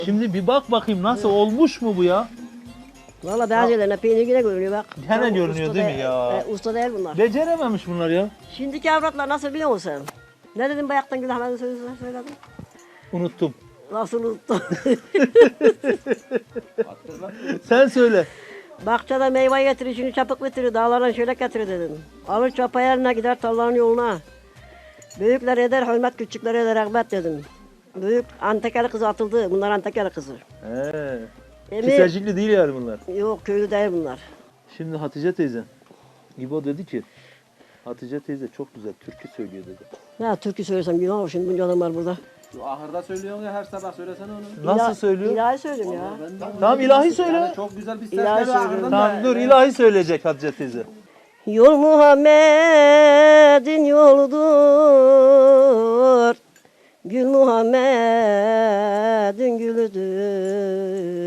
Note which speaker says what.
Speaker 1: Şimdi bir bak bakayım nasıl olmuş mu bu ya?
Speaker 2: Valla bazılarına peynir yine görünüyor bak.
Speaker 1: Gene
Speaker 2: Tam
Speaker 1: görünüyor
Speaker 2: usta
Speaker 1: değil mi ya?
Speaker 2: Usta değil bunlar.
Speaker 1: Becerememiş bunlar ya.
Speaker 2: Şimdiki avratlar nasıl biliyor musun sen? Ne dedim bayaktan Gülahmet'in sözünü söyledim.
Speaker 1: Unuttum.
Speaker 2: Nasıl unuttum?
Speaker 1: Sen söyle.
Speaker 2: Bahçede meyve getirir, şimdi çapık getirir, dağlardan şöyle getirir dedim. Alır çapa yerine gider tarlanın yoluna. Büyükler eder hürmet, küçükler eder rahmet dedim. Büyük Antakyalı kızı atıldı, bunlar Antakyalı kızı.
Speaker 1: Kisecikli değil yani bunlar.
Speaker 2: Yok köylü değil bunlar.
Speaker 1: Şimdi Hatice teyze. İbo dedi ki Hatice teyze çok güzel türkü söylüyor dedi.
Speaker 2: Ya türkü söylesem günah olur şimdi bunca adam var burada.
Speaker 3: Ahırda söylüyorsun ya her sabah söylesene onu.
Speaker 1: Nasıl söylüyor?
Speaker 2: İlahi söylüyorum ya.
Speaker 1: Tamam ilahi söyle.
Speaker 3: Yani çok güzel bir ses
Speaker 2: İlahi
Speaker 3: geliyor
Speaker 2: söylüyorum.
Speaker 3: ahırdan
Speaker 1: Tamam dur ilahi söyleyecek Hatice teyze.
Speaker 2: Yol Muhammed'in yoludur. Gül Muhammed'in gülüdür.